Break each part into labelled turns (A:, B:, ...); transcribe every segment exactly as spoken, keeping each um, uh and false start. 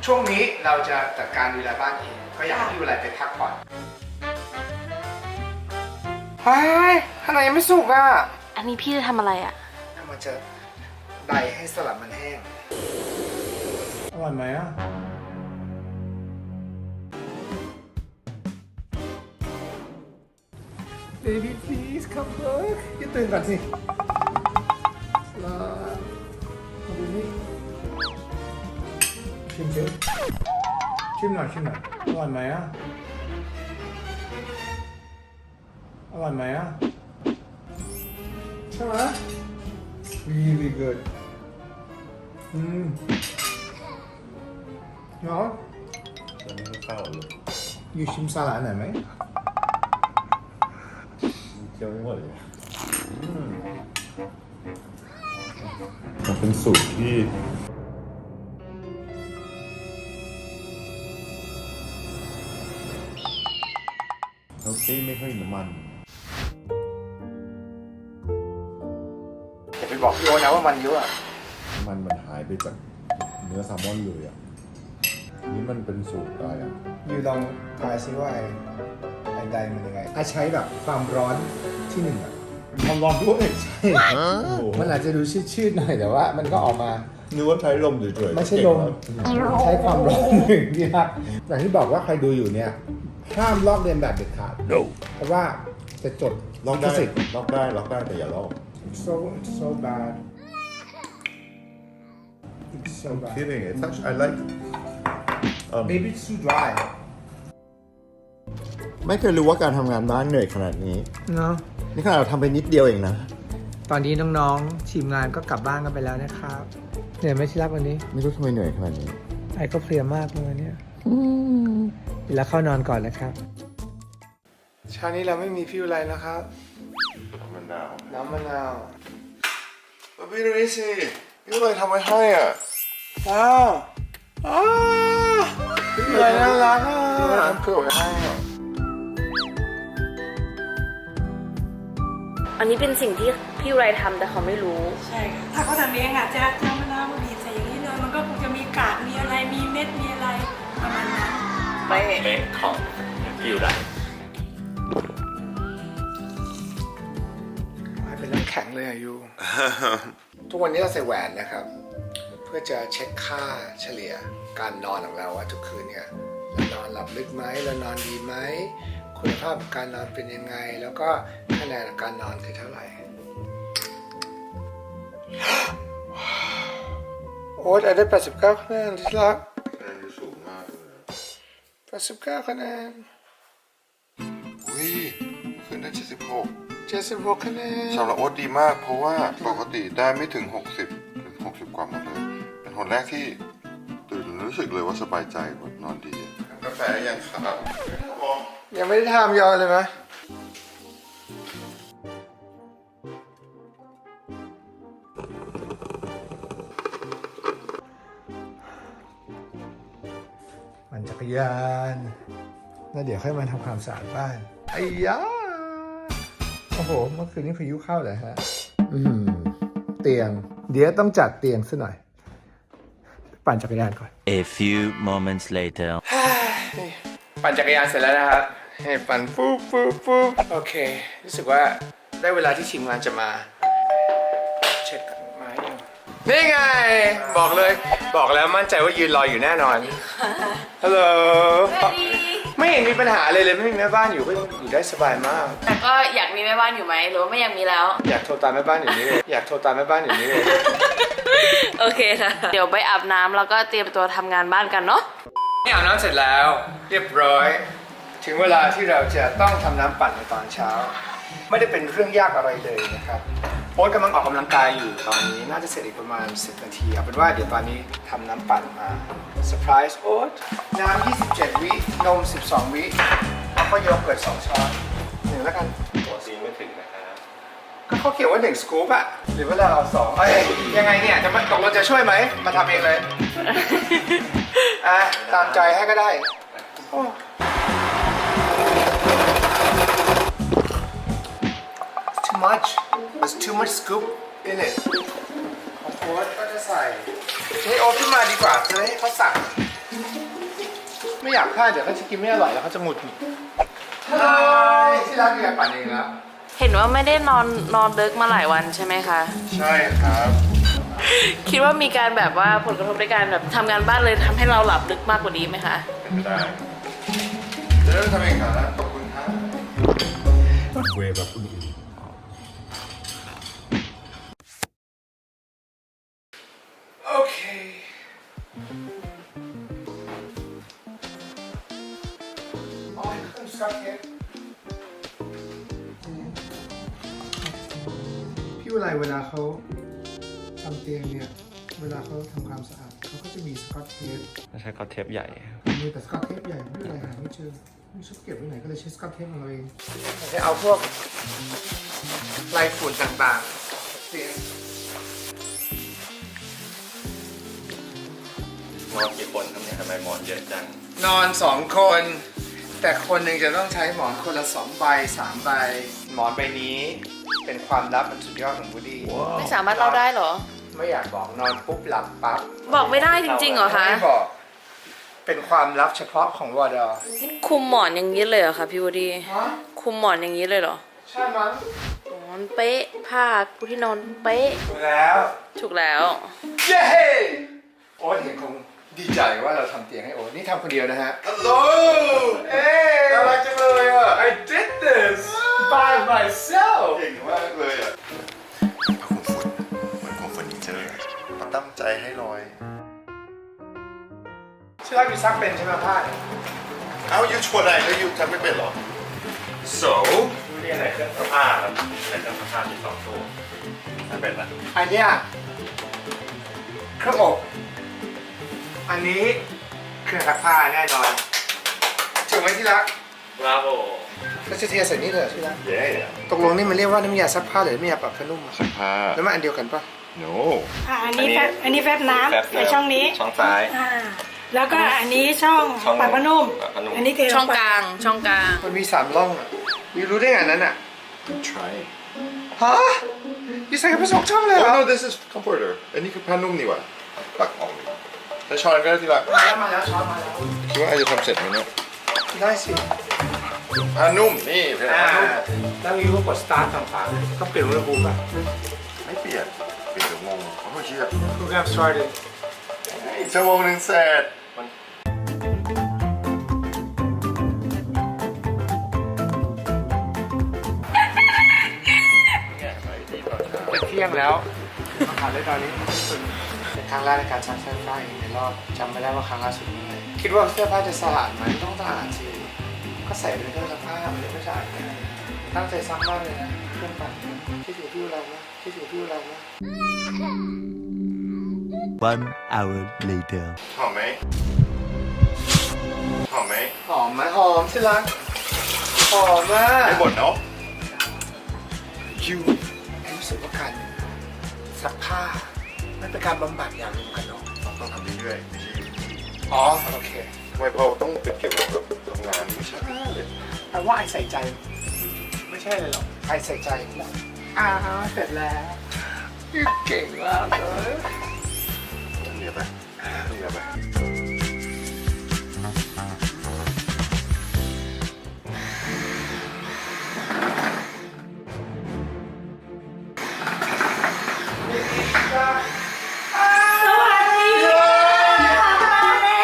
A: ช่วงนี้เราจะจัดการดูแลบ้านเองก็อยากให้พี่วิไลไปพักผ่อนเฮ้ยข้างในยังไม่สุกอ่ะ
B: อันนี้พี่จะทำอะไรอ่ะ
A: มันจะใดให้สลัดมันแห้งอร่อยไหมอ่ะ Baby please come back อย่าตื่นก่อนสิสลัดมาดูนี่ชิมสิชิมหน่อยชิมหน่อยอร่อยไหมอ่ะอร่อยไหมอ่ะใช่ไหม really good อืมเนาะ
C: จะไม่เข้าเลย
A: อยู่ชิมสลัดหน่อยไหม
C: เคี้ยวไม่หมดเลยมันเป็นสูตรที่เฮลตี้ไม่ค่อยน้ำมัน
A: อย่าไปบอกพี่โอ๊ตนะว่ามันเยอะอะ
C: มันมันหายไปจากเนื้อแซลมอนเลยอ่ะนี่มันเป็นสูตรอะไรอ่ะ
A: ยูลองทายซิว่าไอ้ไอ้ใดมันยังไงอาใช้แบบความร้อนที่หนึ่งอะ
C: มันร้อนด้วยใช่
A: มันอาจจะดูชืดๆหน่อยแต่ว่ามันก็ออกมา
C: นึกว่าใช้ลมเฉยๆ
A: ไม่ใช่ลมใช้ความร้อนหนึ่งที่ครับอย่างที่บอกว่าใครดูอยู่เนี่ยห้ามลอกเลียนแบบเด็ดขาด
C: no
A: เพราะว่าจะจด
C: ล็อกได้
A: สิทธิ์
C: ล็อกได้ล็อกได้แต่อย่าลอก
A: It's so it's so bad It's so bad
C: kidding it's actually I like um,
A: Maybe it's too dry
C: ไม่เคยรู้ว่าการทำงานบ้านเหนื่อยขนาดนี้
A: เนาะ
C: นี่ขนาดเราทำไปนิดเดียวเองนะ
A: ตอนนี้น้องๆทีมงานก็กลับบ้านกันไปแล้วนะครับเหนื่อยไหมชิรับวันนี้
C: ไม่รู้ทำไมเหนื่อยขนาดนี้
A: ไอ้ก็เพลียมากเลยเนี่ยแล้วเข้านอนก่อนนะครับเช้านี้เราไม่มีพี่วิไลแล้วครับ
C: มะนาว
A: น้ำมะนาว
C: พี่ดูนี่สิพี่อะไรทำไว้ให้อ่ะ
A: ว้าวอ้าวพี่วิไลน่ารักอ่ะ
C: ทำเพื่อไว้ให้อ่ะ
B: อันนี้เป็นสิ่งที่พี่ไรทำแต่เขาไม่รู้
D: ใช่ค่ะถ้าเขาทำเองอ่ะจะจะมะนาวมาบีบใส่อย่างนี้เลยมันก็คงจะมีกากมีอะไรมีเม็ดมีอะไรประมาณนั้น
B: ไม่
E: เป๊ะของพี่อยู่ไหน
A: เป็นน้ำแข็งเลยอายุ ทุกวันนี้เราใส่แหวนนะครับ เพื่อจะเช็คค่าเฉลี่ยการนอนของเราว่าทุกคืนเนี่ยเรานอนหลับลึกไหมเรานอนดีไหมคุณภาพของการนอนเป็นยังไง แล้วก็คะแนนของการนอนคือเท่าไหร่ โอ๊ตได้แปดสิบเก้าคะแนนที่รัก
C: คะแนนสูงมากเลย
A: แปดสิบเก้าคะแนน
C: อุ้ยขึ้นได้เจ็ดสิบหก
A: เจ็ดสิบหกคะแนน
C: สำหรับโอ๊ตดีมากเพราะว่าปกติได้ไม่ถึงหกสิบหรือหกสิบกว่าหมดเลยเป็นคนแรกที่ตื่นรู้สึกเลยว่าสบายใจแบบนอนดีกาแฟยังครับ
A: ยังไม่ได้ทำยอเลยไหมมันจักรยานแล้วเดี๋ยวค่อยมาทำความสะอาดบ้านไอ้ยาโอ้โหเมื่อคืนนี้พายุเข้าเลยฮะอืมเตียง เดี๋ยวต้องจัดเตียงซะหน่อย ปั่นจักรยานก่อน
E: A few moments later
A: ปั่นจักรยานเสร็จแล้วนะครับให้ปั่นปุ๊บปุ๊บปุ๊บโอเค รู้สึกว่าได้เวลาที่ทีมงานจะมา เช็คไม้ยังนี่ไง บอกเลย บอกแล้วมั่นใจว่ายืนรออยู่แน่นอนฮัลโหลไม่เห็นมีปัญหาเลยเลยไม่มีแม่บ้านอยู่ก็อยู่ได้สบายมาก
B: แต่ก็อยากมีแม่บ้านอยู่ไหมหรือว่าไม่อยากมีแล้ว
A: อยากโทรตามแม่บ้านอยู่นี้เลยอยากโทรตามแม่บ้านอยู่นี้เลย
B: โอเคค่ะ เดี๋ยวไปอาบน้ำแล้วก็เตรียมตัวทำงานบ้านกันเนาะ
A: นี่อาบน้ำเสร็จแล้วเรียบร้อย ถึงเวลาที่เราจะต้องทำน้ำปั่นในตอนเช้า ไม่ได้เป็นเรื่องยากอะไรเลยนะครับโอ๊ตกำลังออกกำลังกายอยู่ตอนนี้น่าจะเสร็จอีกประมาณสิบนาทีเอาเป็นว่าเดี๋ยวตอนนี้ทำน้ำปั่นมาเซอร์ไพรส์โอ๊ตน้ำยี่สิบเจ็ดวินมสิบสองวิแล้วก็โยเกิร์ตสองช้อนหนึ่งแล้วกัน
E: ตัวซีไม่ถึงนะครับ
A: ก็เขาเขียนว่าหนึ่งสกู๊ปอะหรือว่าเราเอาสองเอ้ยยังไงเนี่ยจะมาตกลงจะช่วยไหมมาทำเองเลย อ่ะตามใจให้ก็ได้โอ้ too much there's too much scoop in it ของโอ๊ตก็จะใส่ให้โอ๊ตขึ้นมาดีกว่าจะได้ให้เขาสั่งไม่อยากพลาดเดี๋ยวเขาจะกินไม่อร่อยแล้วเขาจะหงุดหงิดใช่ที่ร้านมีการปั่นเองแล้ว
B: เห็นว่าไม่ได้นอนนอนดึกมาหลายวันใช่ไหมคะ
C: ใช่ครับ
B: คิดว่ามีการแบบว่าผลกระทบในการแบบทำงานบ้านเลยทำให้เราหลับลึกมากกว่านี้ไหมคะ
C: เป็นไม่ได้จะเริ่มทำเองครับขอบคุณครับ
E: เวฟแบบอื่น
A: โอเคอ๋อเครื่องสกัดเทปพี่วิไลเวลาเขาทำเตียงเนี่ย เวลาเขาทำความสะอาดเขาก็จะมีสกอตเทป
E: ใช้ก็เทปใหญ่
A: มีแต่สกอตเทปใหญ่ไม่เป็นไรหาไม่เจอไม่ชอบเก็บไว้ไหนก็เลยใช้สกอตเทปของเราเองจะเอาพวกลายฝุ่นต่างๆเตียง
E: นอนกี่คนครับเนี่ยทำไมหมอนเยอะจัง
A: นอนสองคน แต่คนหนึ่งจะต้องใช้หมอนคนละสองใบสามใบ หมอนใบนี้เป็นความลับมันสุดยอดของบูดี้
B: ไม่สามารถเล่าได้เหรอ
A: ไม่อยากบอกนอนปุ๊บหลับปั๊บ
B: บอกไม่ได้จริงๆเหรอคะ
A: ไม่บอก เป็นความลับเฉพาะของวอดอ
B: นี่คุมหมอนอย่างนี้เลยเหรอคะพี่วดี
A: ฮะ
B: คุมหมอนอย่างนี้เลยเหรอ
A: ใช่มั้ง
B: หมอนเป๊ะผ้าปูที่นอนเป๊ะ
A: แล้ว
B: ถูกแล้ว
A: เย้โอ๊ตเห็นคงดีใจว่าเราทำเตียงให้โอ๊ตนี่ทำคนเดียวนะฮะ
C: ฮัลโหล
A: เอ้ย
C: น่ารักจังเลยอ่ะ
A: I did this by myself
C: เก่งมากเลยอ่ะผ้าคลุมฝุ่นเหมือนคลุมเฟอร์นิเจอร์ตั้งใจให้ลอย
A: ชื่อร้านมีซักเป็นใช่ไหมผ้าเนี่ย
C: เอ้ายูชวนอะไรแล้วยูทำไม่เป็นเหรอ
E: so เรียกอะไรเครื่องซักผ้าครับในเครื่องซักผ้ามีสองตู้ถ้าเป็นละ
A: อันเนี้ยเครื่องอบอันนี้เครื่องซักผ้าแน่นอนถูกไหมที่รัก
E: บราโว
A: แล้วจะเทใส่นี่เลยเหรอที่รัก
C: เย้
A: ตกลงนี่มันเรียกว่าน้ำยาซักผ้าหรือน้ำยาปรับผ้านุ่มอะ
C: ผ้า
A: แล้วมันอันเดียวกันปะ
C: no
D: อ่าอันนี้แฟบอันนี้แฟบน้ำในช่องนี้
E: ช่องซ้าย
D: อ่าแล้วก็อันนี้ช่อง
E: ช่อง
D: ปรับผ้านุ่ม
E: ปรับผ้านุ่ม
D: อันนี้เท
B: ช่องกลางช่องกลาง
A: มันมีสามร่องอะยูรู้ได้ไงอันนั้นอะ
C: try
A: ฮะยูใส่กันไปสองช่องเลยเหร
C: oh
A: อ
C: no this is comforter อันนี้คือผ้านุ่มนี่หว่าปักออกแล้วช้อนก็ได้ทีละ
A: มาแล้วมาแล้วช้อนมาแล้ว
C: คิดว่าไอจะทำเสร็จไหมเนี่ย
A: ได้สิ
C: ผ้านุ่มนี่เป็น
A: อ่า
C: ผ้านุ่ม
A: แล้วยูก็กดสตาร์ทฝั่งขวาต้องเปลี่ยนอุณหภูมิป่ะ
C: ไม่เปลี่ยนเปลี่ยนเดี๋ยวงงเขาไม่เชื่อ
A: Program started
C: อีกชั่วโมงหนึ่งเสร็จ
A: จะเที่ยงแล้วมาหาได้ตอนนี้เป็นครั้งแรกในการซักเสื้อผ้าเองในรอบจำไม่ได้ว่าครั้งล่าสุดเมื่อไหร่คิดว่าเสื้อผ้าจะสะอาดไหมต้องสะอาดสิก็ใส่ไปในเครื่องซักผ้ามันจะไม่สะอาดไงตั้งใจซักมากเลยนะเครื่องปั่นคิดถึงพี่เรานะคิดถึงพี่เรานะ
E: one hour later
C: หอมไหมหอมไหม
A: หอมไหมหอมสิรักหอมมาก
C: ไม่บ่นเนาะ
A: ยูรู้สึกว่าการซักผ้ามันเป็นการบำบัดอย่างหนึ่งกันเนาะ
C: ต้องทำเรื่อยๆไม่ใช่
A: อ๋อโอเค
C: ทำไมพอต้องเป็นเกี่ยวกับทำงานไม่ใช่เลย
A: แปลว่าไอใส่ใจ ไม่ใช่เลยหรอกไอใส่ใจอ้าวเสร็จแล้วเก่งมากเลย
C: เหนียวไปเหนียวไป
D: สวัสดีค่ะมาแล้ว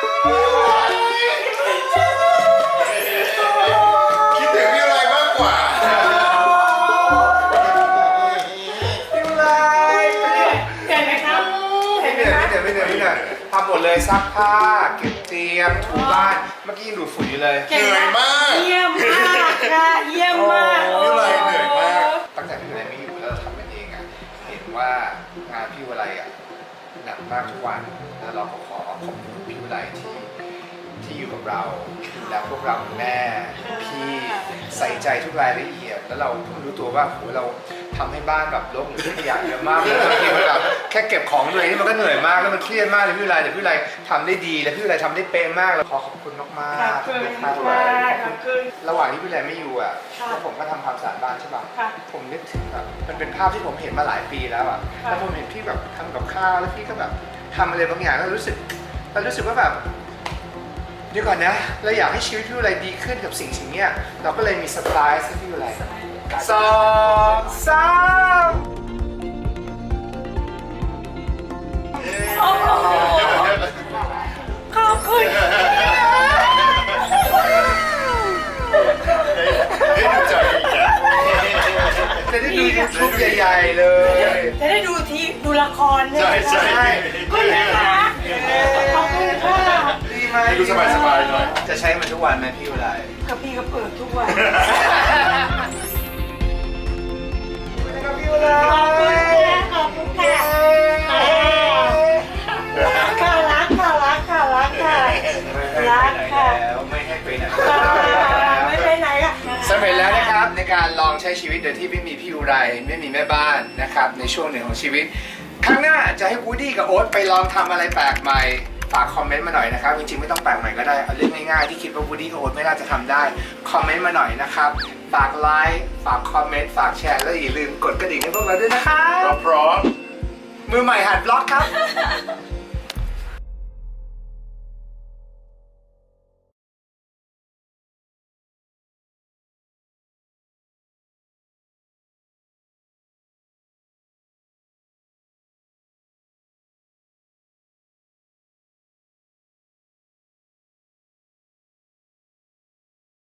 C: คิดถึงพี่อะไรมากกว่า
A: ยูไล
D: เห็นไหมครับเห็
A: ไม่
D: นไหม
A: เหนื่อย
D: ครับ
A: ไม่เหนื่อยไม่เหนื่อยไม่เหนื่อยทำหมดเลยซักผ้าเก็บเตียงถูบ้านเมื่อกี้ยังดูดฝุ่นอยู่เลย
C: เหนื่อยมาก
D: เยี่ยมมากค่ะเยี่ยมมาก
C: พี่อะไรเหนื่อยมาก
A: ตั้งแต่พี่วิไลไม่อยู่แล้วเราทำมันเองอ่ะเห็นว่างานพี่วิไลอ่ะหนักมากทุกวันแล้วเราก็ขอขอบคุณพี่วิไลที่ที่อยู่กับเราดูแลพวกเราแม่พี่ใส่ใจทุกรายละเอียด แล้วเราเพิ่งรู้ตัวว่าโหเราทำให้บ้านแบบรกหรือขยะเยอะมากเลยบางทีมันแบบแค่เก็บของตัวเองนี่มันก็เหนื่อยมากแล้วมันเครียดมากเลยพี่วิไลแต่พี่วิไลทำได้ดีและพี่วิไลทำได้เป๊ะมากแล้วขอขอบคุณมากมาก
D: ขอบคุณค่ะขอบคุณ
A: ระหว่างที่พี่วิไลไม่อยู่อ่ะ
D: ค่ะ
A: แล้วผมก็ทำความสะอาดบ้านใช่ป่ะ
D: ค่ะ
A: ผมนึกถึงแบบมันเป็นภาพที่ผมเห็นมาหลายปีแล้วอ่ะ
D: ค่ะ
A: แล้วผมเห็นพี่แบบทำกับข้าวแล้วพี่ก็แบบทำอะไรบางอย่างแล้วรู้สึกแล้วรู้สึกว่าแบบเดี๋ยวก่อนนะเราอยากให้ชีวิตพี่วิไลดีขึ้นกับสิ่งสิ่งเนี้ยเราก็เลยมีเซอร์ไพรส์ให้พี่วิไลสองสาม
D: โอ้โหขอบคุณ
A: จะได้ดูยูทูบใหญ่ๆเลย
D: จะได้ดูทีดูละคร
E: ใช่ใช่
D: คุณนะคะขอบคุณค่ะ
A: ดีไหม
E: ให้ดูสบายๆหน่อย
A: จะใช้มันทุกวันไหมพี่วิไล
D: กับพี่ก็เปิดทุกวัน
A: นะครับพี่วิไล
D: ขอบคุณค่ะค่ะรักค่ะรักค่ะรักค่ะรักค่ะ
A: แล้วไม่ให้ไปไหน
D: ไม่ไปไหนอ่ะ
A: สำเร็จแล้วนะครับในการลองใช้ชีวิตโดยที่ไม่มีพี่อุไรไม่มีแม่บ้านนะครับในช่วงหนึ่งของชีวิตครั้งหน้าจะให้วูดดี้กับโอ๊ตไปลองทำอะไรแปลกใหม่ฝากคอมเมนต์มาหน่อยนะครับจริงๆไม่ต้องแปลกใหม่ก็ได้เอาเรื่องง่ายๆที่คิดว่าวูดดี้กับโอ๊ตไม่น่าจะทำได้คอมเมนต์มาหน่อยนะครับฝากไลค์ฝากคอมเมนต์ฝากแชร์แล้วอย่าลืมกดกระดิ่งให้พวกเราด้วยนะครับ
E: พร้อม
A: มือใหม่หัดบล็อกครับ